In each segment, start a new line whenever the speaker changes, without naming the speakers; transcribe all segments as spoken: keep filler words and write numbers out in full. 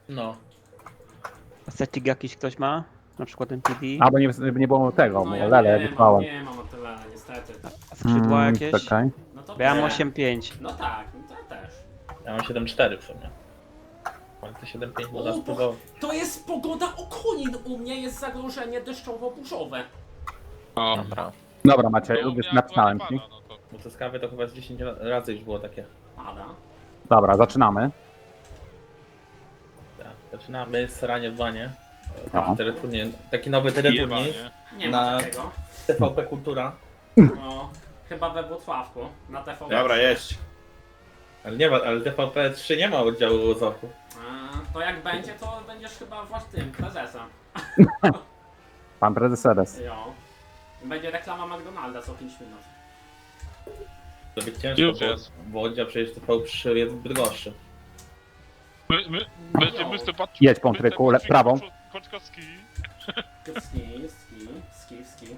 No.
Setting jakiś ktoś ma? Na przykład M P D?
A, bo nie, nie było tego,
No
bo
ja
Lele
nie mam,
wysłałem.
nie mam o tyle, niestety.
A skrzydła
Mm,
jakieś?
czekaj.
No to
Bo ja mam
nie.
osiem pięć.
No tak, no to ja też.
Ja mam siedem cztery w sumie. Ale to siedem pięć można
O, bo
spróbować.
to jest pogoda okonin, u mnie jest zagrożenie deszczowo-burzowe.
O,
Dobra.
Dobra, Maciej,
no,
już
ja
napisałem
akurat
ci.
nie pada, no to.
Bo to z kawy to chyba z dziesięć razy już było takie.
Pada.
Dobra, zaczynamy.
Tak. Zaczynamy sranie w wanie.
No.
Teleturniej, taki nowy teleturniej.
Jebanie.
Nie ma
Na-
takiego.
T V P Kultura.
No, chyba we Włocławku, na T V P.
Dobra, jedź.
Ale nie ma, ale T V P trzy nie ma oddziału Zoku.
A, to jak będzie, to będziesz chyba właśnie tym prezesem.
Pan prezes Eres.
Jo. Będzie reklama McDonalda co pięć minut.
To być ciężko,
Już
bo,
jest.
bo oddział przecież T V trzy jest droższy.
My, my, będzie
Jo.
mister Pat...
Jedź, Pątryku, le- prawą.
Poczkowski.
Ski, ski, ski, ski.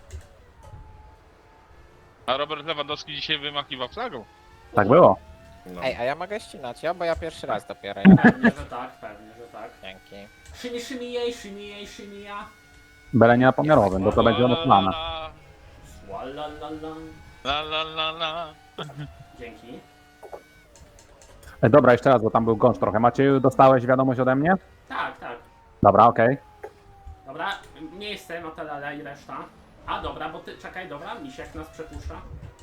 A Robert Lewandowski dzisiaj wymachiwał flagą.
Tak było.
No.
Ej, a ja mogę ścinać, ja? Bo ja pierwszy raz dopiero.
Pewnie, że tak, pewnie, że tak.
Dzięki.
Szymi, szymi jej, szymi jej, szymi ja.
Byle nie na pomiarowym, bo to będzie ono plana.
Słalalala.
La la la la.
Dzięki.
E, dobra, jeszcze raz, bo tam był gąszcz trochę. Macieju, dostałeś wiadomość ode mnie?
Tak, tak.
Dobra, okej.
Dobra, miejsce, Notelala i reszta. A dobra, bo ty, czekaj, dobra, Misiek nas przepuszcza.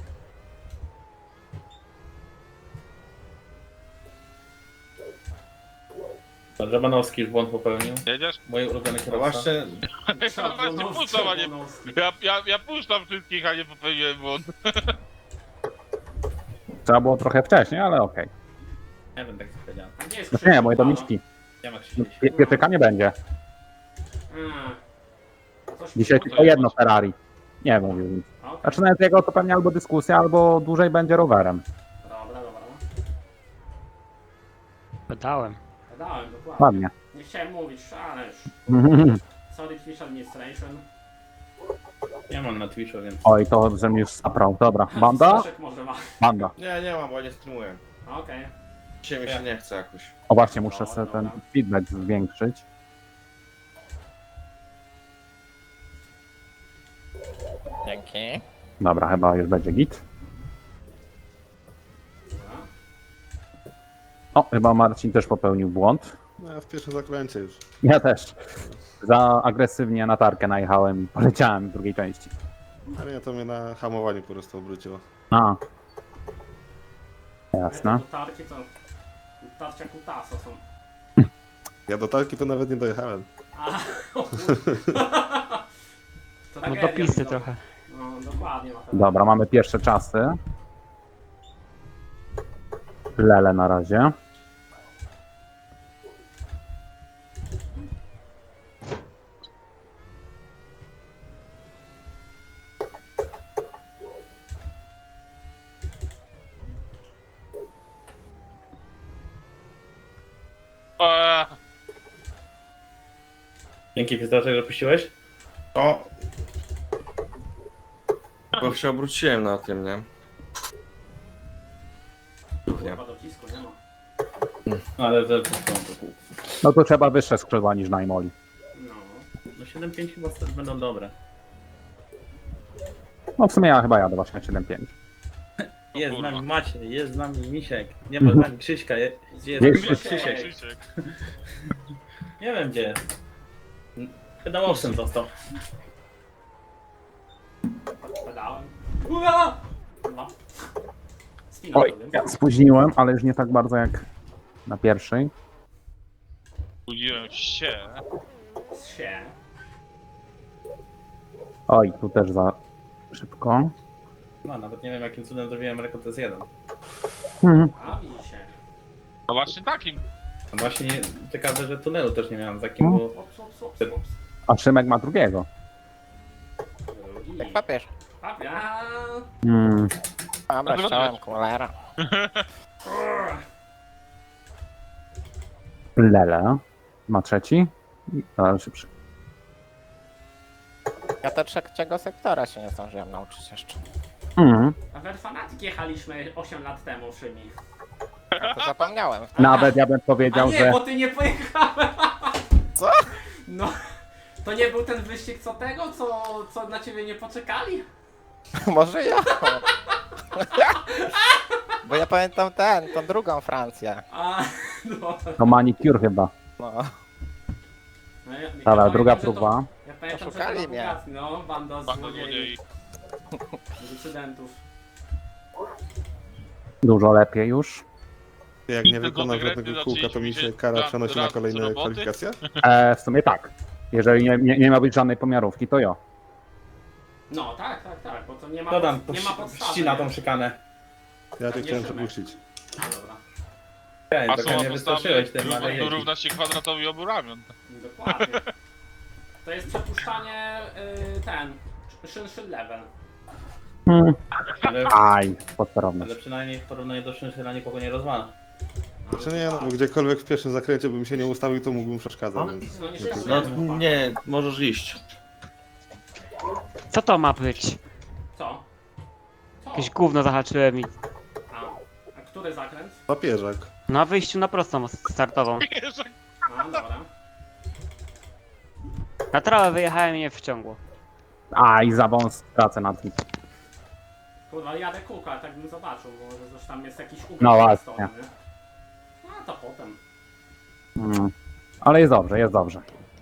Żabanowski już błąd popełnił.
Jedziesz?
Mój ulubiony
No
kierowca.
właśnie,
Ja właśnie puszczam, a nie... Ja, ja, ja puszczam wszystkich, a nie popełniłem błąd.
Trzeba było trochę wcześniej, ale okej.
Nie wiem, tak co powiedziałem.
A gdzie jest
No
Krzysiu?
nie, moje
Halo?
domiczki.
Nie ma
No,
Krzysiu.
pie- Pietyka nie będzie.
Mm. Coś
Dzisiaj
mi-
tylko jedno Ferrari. Nie mówił nic.
Okej.
Znaczy nawet jego to pewnie albo dyskusja, albo dłużej będzie rowerem.
Dobra, dobra.
Pedałem.
Dałem, dokładnie.
Ładnie.
Nie chciałem mówić, ale już. Sorry, Twitch Administration.
Nie mam na Twitchu, więc...
Oj, to że mi już zaprał. Dobra, banda?
Staszek może ma.
Banda.
nie, nie mam, bo ja nie streamuję.
Okej.
Dzisiaj mi się nie chce jakoś.
O właśnie, muszę sobie ten feedback zwiększyć.
Dzięki.
Dobra, chyba już będzie git.
Dobra.
O, chyba Marcin też popełnił błąd.
No ja w pierwszym zakręcie już.
Ja też. Za agresywnie na tarkę najechałem i poleciałem w drugiej części.
Ale nie, to mnie na hamowaniu po prostu obróciło.
A. Jasne.
To tarki to... Tarcia kutasa są.
Ja do talki to nawet nie dojechałem.
A, o kur- To
No
tragedia
dopisy
to.
trochę.
No, dokładnie ma
Dobra, mamy pierwsze czasy. Lele na razie.
Eee,
Dzięki Fizdorze, że puściłeś?
O! Bo się obróciłem na tym, nie? Nie.
Chyba docisku nie ma.
Ale ze...
No to trzeba wyższe skrzydła niż Najmoli.
No.
No siedem pięć chyba st- będą dobre.
No w sumie ja chyba jadę właśnie siedem pięć.
Jest z
kurwa.
nami Maciej, jest z nami Misiek. Nie ma z nami Krzyśka. je- Gdzie jest
Jest
Krzysiek?
Krzysiek.
Krzysiek?
Krzysiek.
Nie wiem gdzie jest. Pedałowcem został.
Pedałem. Ua! No. Spina
Oj,
sobie.
ja spóźniłem, ale już nie tak bardzo jak na pierwszej.
Budziłem się.
Sie.
Oj, tu też za szybko.
No nawet nie wiem jakim cudem zrobiłem rekord S jeden.
Mhm.
A widzicie.
No właśnie takim.
A właśnie ciekawe, że tunelu też nie miałem za kim, bo...
Ops, ops, ops, ops.
A Szymek ma drugiego.
Drugi.
Jak papież.
Papia.
Mm.
Dobra, ściąłem kulera.
Lele ma trzeci. I ale szybszy.
Ja to trzeciego sektora się nie zdążyłem nauczyć jeszcze.
Mhm.
A w Fanatic jechaliśmy osiem lat temu, Szymi.
To zapomniałem.
Nawet ja bym
A
powiedział,
nie,
że...
bo ty nie pojechałeś.
Co?
No, to nie był ten wyścig co tego, co, co na ciebie nie poczekali?
Może ja. Bo ja pamiętam ten, tą drugą Francję.
A, no.
To manicure chyba.
No.
No ja, ja
Dobra,
pamiętam,
druga
że
próba.
To, ja pamiętam, że
Oszukali
to
mnie.
Bugatti, no, banda
Banda
złodziei,
złodziei.
decydentów.
Dużo lepiej już.
Jak nie
Tylko
wykonał
te
żadnego
grety
kółka, to mi się
zaczęliśmy
kara
się
przenosi na
raz z
kolejne
roboty.
kwalifikacje?
E, w sumie tak. Jeżeli nie, nie, nie ma być żadnej pomiarówki, to jo.
No, tak, tak, tak, bo to nie ma,
To tam
pod, nie ma podstawy.
ścina
nie?
tą szykanę.
Ja cię
Nie
chciałem
Szymek.
przepuścić.
A, dobra,
Ej,
A
trochę
suma
nie
postawy
wystraszyłeś tym, ale jeździ.
równa się kwadratowi obu ramion.
dokładnie. To jest przepuszczanie, y, ten, szyn szyn level.
Hmm.
Ale,
Aj, podsterowność.
ale przynajmniej w porównaniu do szynszyna nikogo nie rozwala.
No,
Czy nie, no bo gdziekolwiek w pierwszym zakręcie bym się nie ustawił, to mógłbym przeszkadzać, więc...
No, nie
No
szykuje.
nie, możesz iść.
Co to ma być?
Co? Co?
Jakieś gówno zahaczyłem i...
A, a który zakręt?
Papieżak.
Na wyjściu na prostą startową.
A, dobra.
Na trawę wyjechałem i nie wciągło.
Aj, za wąs tracę nad nim.
Kurwa, jadę kółko, ale tak bym zobaczył, bo może coś tam jest jakiś układ
No
na
właśnie.
stronie, nie? A to potem.
Mm. Ale jest dobrze, jest dobrze.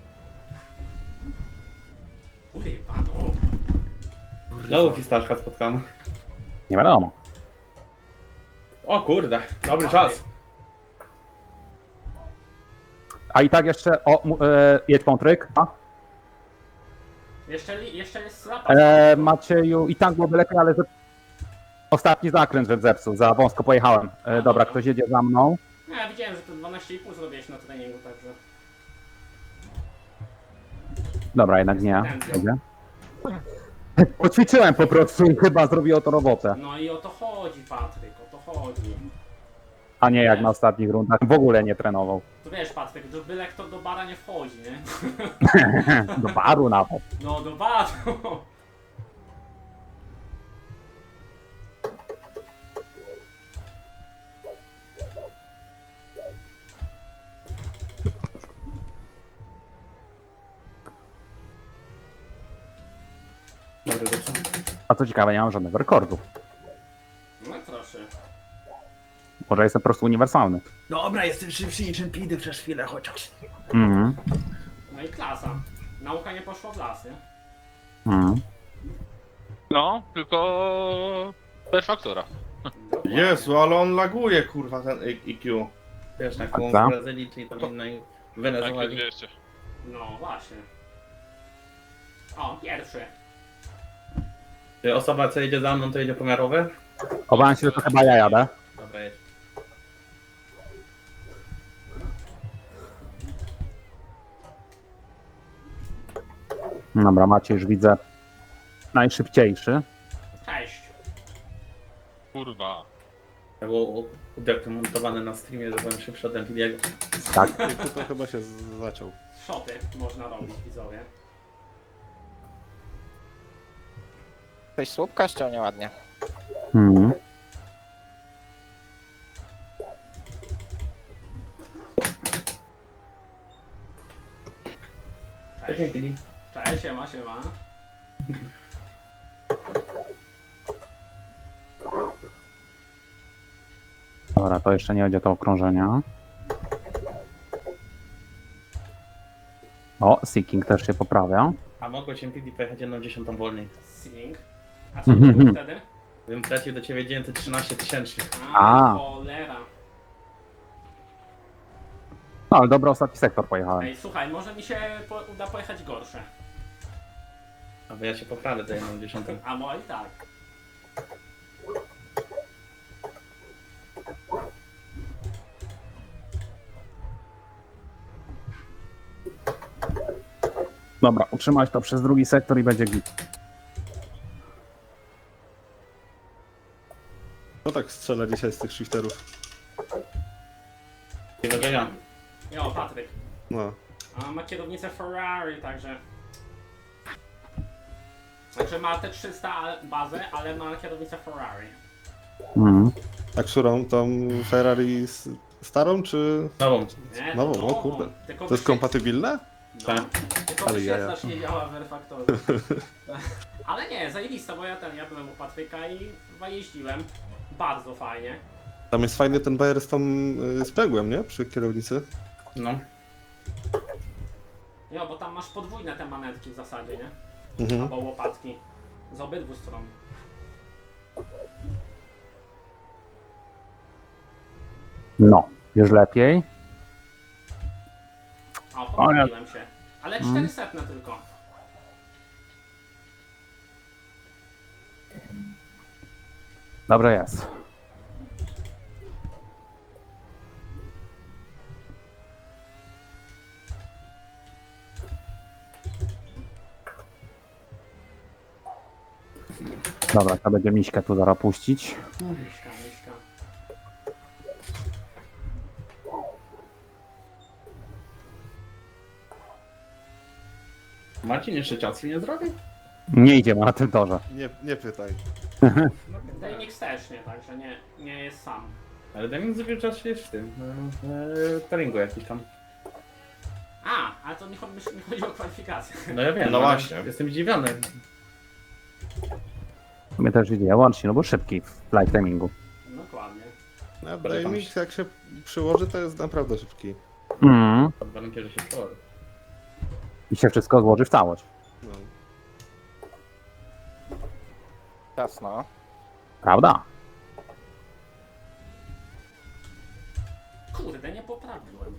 Uj, panu.
Znowu fistaszka spotkam.
Nie wiadomo.
O kurde, dobry czas.
A i tak jeszcze... O, mu- e, jedź pątryk. A?
Jeszcze, li- jeszcze jest zapas.
E, Macieju, i tak byłoby lepiej, ale... Że... Ostatni zakręt, że zepsuł, za wąsko pojechałem. E, dobra, ktoś jedzie za mną.
No, ja widziałem, że to dwanaście i pół zrobiłeś na treningu, także...
Dobra, jednak nie. Jedzie. Poćwiczyłem po prostu i chyba zrobiło to robotę.
No i o to chodzi, Patryk, o to chodzi.
A nie jak na ostatnich rundach. W ogóle nie trenował.
To wiesz, Patryk, że byle kto do bara nie wchodzi, nie?
Do baru nawet.
No, do baru!
Dobry zepsuł.
A co ciekawe, nie mam żadnego rekordu.
No proszę.
Może jestem po prostu uniwersalny.
Dobra, jestem szybszy niż Empidy przez chwilę chociaż.
Mhm.
No i klasa. Nauka nie poszła w las, nie?
Mhm.
No, tylko... Per faktora.
Dokładnie.
Jezu, ale on laguje, kurwa, ten I Q.
Wiesz, na
A
koło
co?
z Brazylii, czyli tam innej
Tak,
Wenezueli.
dwieście.
No właśnie. O, pierwszy.
Czy osoba, co jedzie za mną, to jedzie pomiarowy?
Obawiam się, że to chyba ja jadę.
Dobra, jedź.
Dobra, Maciej już widzę najszybciejszy.
Cześć.
Kurwa.
To było udokumentowane na streamie, że byłem szybszy od Empidiego.
Tak.
I tu to chyba się z- zaciął.
Szoty można robić, widzowie.
Ktoś słupka ściął nieładnie.
Mhm.
Cześć Empidi.
Cześć, siema, siema.
Dobra, to jeszcze nie będzie to okrążenia. O, Seeking też się poprawia.
A mogłeś Empidi pojechać jedną dziesiątą wolniej.
Sing. A co to było wtedy?
Bym tracił do ciebie dziewięćset trzynaście tysięcy.
A,
A.
cholera.
No, ale dobry ostatni sektor pojechałem.
Ej, słuchaj, może mi się po uda pojechać gorsze.
Aby ja się poprawię do jedną dziesiątą.
A mo i tak.
Dobra, utrzymać to przez drugi sektor i będzie git.
No tak strzela dzisiaj z tych shifterów.
Nie wiem, że ja.
Jo, Patryk.
No.
A ma kierownicę Ferrari, także... Także ma te trzysta bazę, ale ma kierownicę Ferrari.
Mhm.
A którą? Tą Ferrari s- starą, czy...
Nową.
Nie,
Nową,
to
o kurde.
Tylko
To jest
wyświetl-
kompatybilne?
No,
Tak.
tylko
Ale jaja.
wyświetlacz nie działa w R-Factorze. Ale nie, zajebista, bo ja ten, ja byłem u Patryka i chyba jeździłem. Bardzo fajnie.
Tam jest fajny ten bajer z tą y, sprzęgłem, nie? Przy kierownicy.
No.
Jo, bo tam masz podwójne te manetki w zasadzie, nie?
Mhm.
Albo łopatki. Z obydwu stron.
No, już lepiej.
O, pomyliłem się. Ale
Mm.
czterysta tylko.
Dobrze jest. Dobra, to będzie miśkę tu zaraz puścić.
Miśka, miśka.
Marcin jeszcze czasu nie zrobił?
Nie idziemy na tym torze.
Nie, nie pytaj.
Dejmix też nie, także nie, nie jest sam.
Ale Deming zrobił czas jest w tym. Eee, Taringu jakiś tam.
A, ale to nie chodzi, nie chodzi o kwalifikację.
No ja wiem.
No
ale
właśnie.
Jestem zdziwiony.
Mnie też idzie łącznie, no bo szybki w live timingu.
Dokładnie.
No,
Polecam
Dynamix
się.
jak się przyłoży, to jest naprawdę szybki.
Mm.
Pod warunkiem, że się położy.
I się wszystko złoży w całość.
No.
Jasno.
Prawda?
Kurde, nie poprawiłem.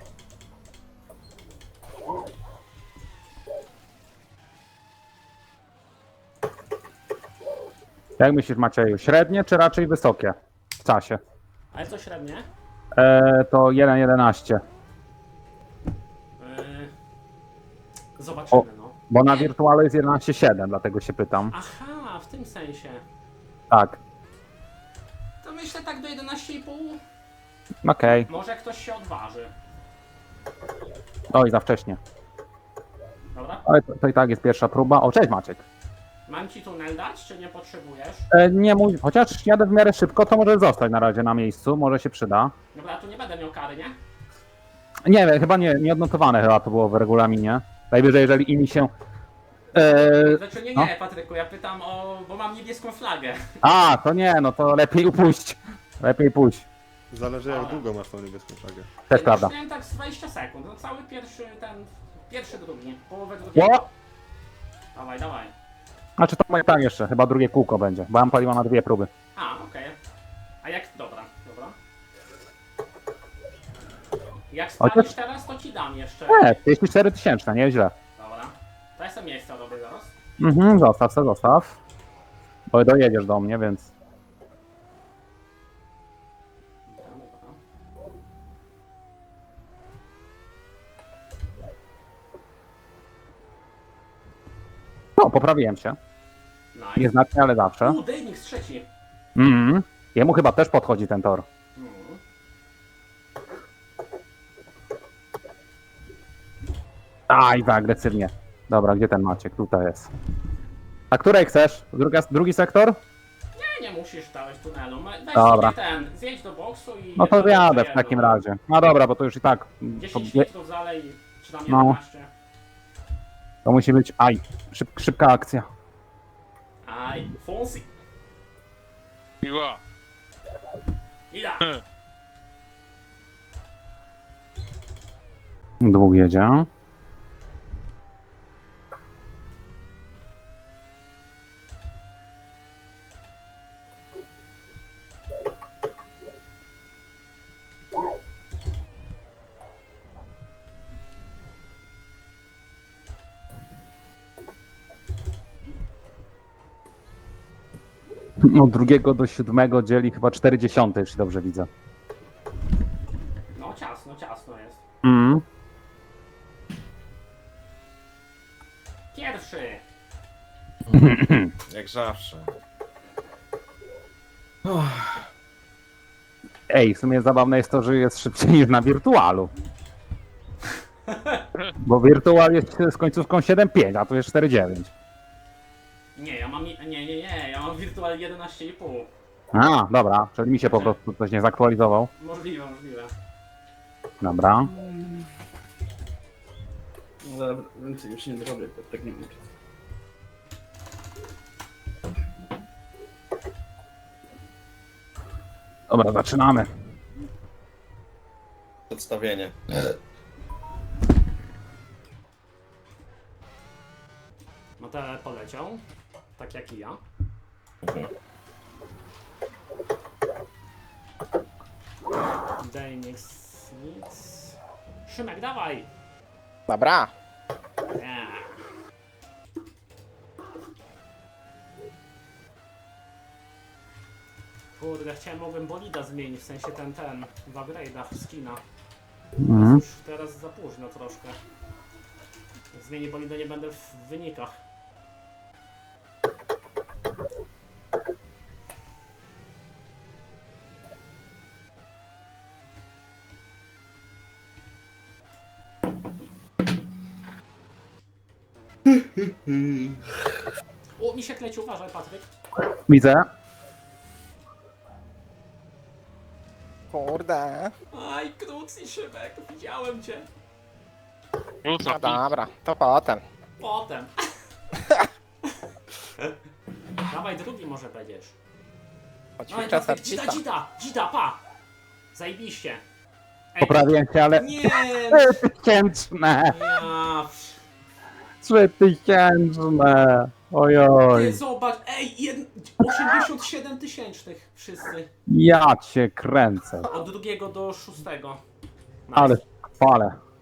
Jak myślisz, Macieju, średnie czy raczej wysokie w czasie?
Ale co średnie?
E, to jeden jedenaście.
Yy... Zobaczymy,
O.
no.
Bo na wirtualu jest jedenaście siedem, dlatego się pytam.
Aha, w tym sensie.
Tak,
To myślę tak do jedenaście i pół.
okej.
Może ktoś się odważy.
Oj, za wcześnie.
Dobra?
Ale to, to i tak jest pierwsza próba. O, cześć Maciek.
Mam ci tunel dać, czy nie potrzebujesz?
E, nie mój, chociaż jadę w miarę szybko, to może zostać na razie na miejscu, może się przyda.
Dobra, tu nie będę miał kary, nie?
Nie wiem, chyba nie, nie odnotowane chyba to było w regulaminie. Najwyżej, jeżeli inni się... E,
Znaczy nie,
no.
nie, Patryku, ja pytam o... bo mam niebieską flagę.
a, to nie, no to lepiej upuść. Lepiej pójść.
Zależy jak
Ale.
długo masz tą niebieską flagę.
Też prawda.
Miałem tak z dwadzieścia sekund, no cały pierwszy ten... Pierwszy, drugi, połowę drugiego.
Ło!
Dawaj, dawaj.
Znaczy to moje tak jeszcze, chyba drugie kółko będzie, bo ja mam paliwa na dwie próby.
A, okej. A jak... dobra, dobra. Jak spalisz teraz, to ci dam jeszcze.
E, trzydzieści cztery tysięczne, nieźle.
Dobra. To ja sobie miejsca robię zaraz.
Mhm, zostaw se, zostaw. Bo dojedziesz do mnie, więc...
Dobra, dobra.
No, poprawiłem się.
Nice.
Nieznacznie, ale zawsze.
U, Dejmix trzeci.
Mhm. Jemu chyba też podchodzi ten tor.
Mm.
Aj, za agresywnie. Dobra, gdzie ten Maciek? Tutaj jest. A której chcesz? Druga, drugi sektor?
Nie, nie musisz dawać tunelu. Ma- Weź
Dobra.
sobie ten, zjedź do boksu i...
No to
jedno
jadę
jeszcze
w takim
jedno.
razie. No dobra, bo to już i tak... To,
dziesięć
je-
litrów zalej, czy tam
No.
jedenaście.
to musi być... Aj, szyb, szybka akcja.
Aj, Fonsi.
Miła.
Ida.
Dwóch jedzie. Od drugiego do siódmego dzieli chyba czterdzieści, jeśli dobrze widzę.
No ciasno, ciasno jest.
Mm.
Pierwszy.
Jak zawsze.
Ej, w sumie zabawne jest to, że jest szybciej niż na wirtualu. Bo wirtual jest z końcówką siedem pięć, a tu jest cztery dziewięć.
Nie, ja mam... Nie, nie, nie, ja mam wirtual jedenaście i pół.
A, dobra, czyli mi się po prostu coś nie zaktualizował.
Możliwe, możliwe.
Dobra.
Dobra, więcej już nie zrobię, to tak nie mówię.
Dobra, zaczynamy.
Przedstawienie.
Matele poleciał, tak jak i ja. Dejnix nic. Szymek, dawaj!
Dobra.
Nie. Kurde, chciałem, mogłem bolida zmienić, w sensie ten, ten, w upgrade'ach skina.
Mhm.
Już teraz za późno troszkę. Jak zmienię bolida, nie będę w wynikach. O, misiek leci, uważaj, Patryk.
Widzę.
Kurde.
Aj, Krucy, Szymek, widziałem cię.
Wrócę.
No dobra, to potem.
Potem. Dawaj, drugi może będziesz. Dawaj,
Poćwiczę
Patryk, dzida,
sercita.
dzida, dzida, pa. Zajebiście. Ej,
Poprawiłem się, ale...
nie,
Trzy tysięczne!
ja...
Trzy tysięczne! Ojoj.
Ty zobacz, ej, jed... osiemdziesiąt siedem tysięcznych wszyscy.
Ja cię kręcę.
Od drugiego do szóstego. Nice.
Ale chwalę.